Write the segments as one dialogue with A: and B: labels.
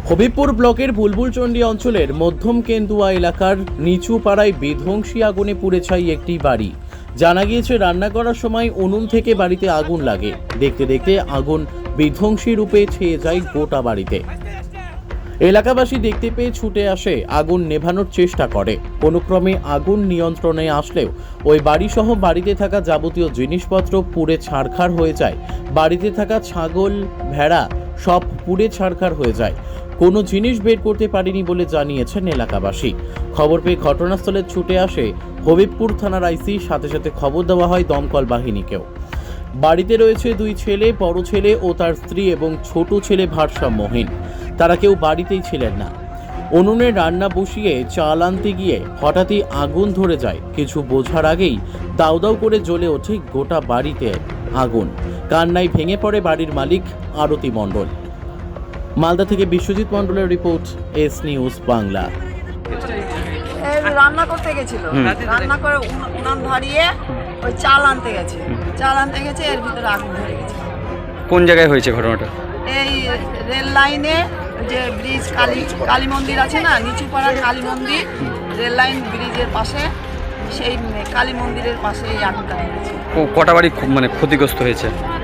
A: হবিবপুর ব্লকের বুলবুলচন্ডী অঞ্চলের মধ্যম কেন্দুয়া এলাকার নিচু পাড়ায় বিধ্বংসী আগুনে পুড়ে ছাই একটি বাড়ি। জানা গিয়েছে রান্না করার সময় উনুন থেকে বাড়িতে আগুন লাগে। দেখতে দেখতে আগুন বিধ্বংসী রূপে ছেয়ে যায় গোটা বাড়িতে। এলাকাবাসী দেখতে পেয়ে ছুটে আসে, আগুন নেভানোর চেষ্টা করে। কোনোক্রমে আগুন নিয়ন্ত্রণে আসলেও ওই বাড়িসহ বাড়িতে থাকা যাবতীয় জিনিসপত্র পুড়ে ছারখার হয়ে যায়। বাড়িতে থাকা ছাগল, ভেড়া সব পুড়ে ছারখার হয়ে যায়। কোনো জিনিস বের করতে পারেনি বলে জানিয়েছেন এলাকাবাসী। খবর পেয়ে ঘটনাস্থলে ছুটে আসে হবিবপুর থানার আইসি, সাথে সাথে খবর দেওয়া হয় দমকল বাহিনীকেও। বাড়িতে রয়েছে দুই ছেলে, বড় ছেলে ও তার স্ত্রী এবং ছোট ছেলে ভারসাম্যহীন। তারা কেউ বাড়িতেই ছিলেন না। উনুনে রান্না বসিয়ে চাল আনতে গিয়ে হঠাৎই আগুন ধরে যায়। কিছু বোঝার আগেই দাউ দাউ করে জ্বলে ওঠে গোটা বাড়িতে আগুন। কান্নায় ভেঙে পড়ে বাড়ির মালিক আরতি মণ্ডল। মালদা থেকে বিশ্বজিৎ মণ্ডলের রিপোর্ট, এস নিউজ বাংলা।
B: রান্না করতে গেছিল, রান্না করে উনান ধরিয়ে ওই চাল আনতে গেছে, এর ভিতরে আগুন ধরে গেছে।
C: কোন জায়গায় হয়েছে ঘটনাটা?
B: এই রেল লাইনে যে ব্রিজ কালী মন্দির আছে না, নিচুপাড়া কালী মন্দির, রেল লাইন ব্রিজের পাশে, সেই কালী মন্দিরের পাশে এই আগুনটা হয়েছে।
C: কটা বাড়ি মানে ক্ষতিগ্রস্ত হয়েছে?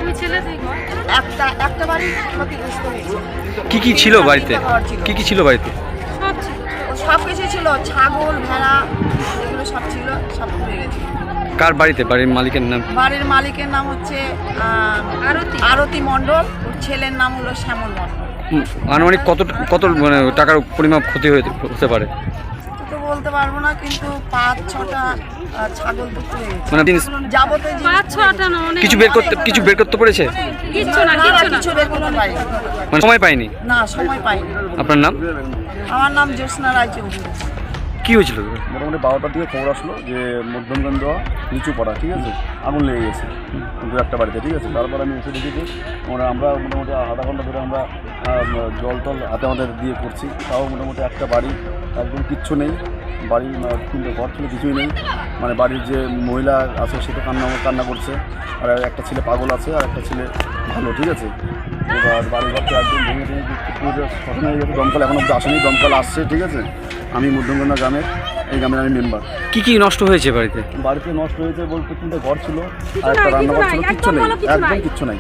B: একটা বাড়ি ক্ষতিগ্রস্ত হয়েছে।
C: কি ছিল বাড়িতে? কি ছিল বাড়িতে?
B: সব কিছু ছিল, ছাগল, ভেড়া, এগুলো সব ছিল, সব পুড়ে গেছে।
C: কার বাড়িতে? বাড়ির মালিকের নাম?
B: বাড়ির মালিকের নাম হচ্ছে আরতি মণ্ডল, ওর ছেলের নাম হলো শ্যামল মণ্ডল।
C: আনুমানিক কত মানে টাকার পরিমাপ ক্ষতি হতে পারে?
B: তো বলতে পারবো না, কিন্তু 5-6টা ছাগল তো পুড়ে গেছে।
C: মানে
B: যাবতীয়
D: 5-6টা না,
C: কিছু বের করতে পেরেছে?
B: কিছু বের করতে পারিনি।
C: মানে সময় পাইনি?
B: না, সময় পাইনি।
C: আপনার নাম?
B: আমার নাম জ্যোৎস্না রায়চৌধুরী।
C: কি হয়েছিল?
E: মোটামুটি 12টার দিকে খবর আসলো যে মধ্যমগন্ধ নিচু পড়া, ঠিক আছে, আগুন লেগে গেছে দু একটা বাড়িতে, ঠিক আছে। তারপর আমি এসে দেখেছি আমরা মোটামুটি আধা ঘন্টা ধরে আমরা জল টল হাতে আমাদের দিয়ে করছি, তাও মোটামুটি একটা বাড়ি একদম কিচ্ছু নেই। বাড়ি 3টে ঘর ছিল, কিছুই নেই। মানে বাড়ির যে মহিলা আছে সে তো কান্না করছে, আর একটা ছেলে পাগল আছে, আর একটা ছেলে ভালো, ঠিক আছে। এবার বাড়ি ঘরটা একদম ভেঙে পুরো খতম হয়ে গেছে। দমকল এখনও অব্দি আসেনি, দমকল আসছে, ঠিক আছে। আমি মধ্যমগন্ধা গ্রামের, এই গ্রামের আমি মেম্বার।
C: কি নষ্ট হয়েছে বাড়িতে?
E: বাড়িতে নষ্ট হয়েছে বলতে 3টে ঘর ছিল আর একটা রান্নাঘর ছিল, কিচ্ছু নেই, একদম কিচ্ছু নাই।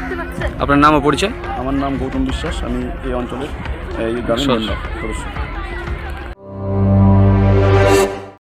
C: আপনার নাম ও পরিচয়?
E: আমার নাম গৌতম বিশ্বাস, আমি এই অঞ্চলের এই গ্রামের মেম্বার সদস্য।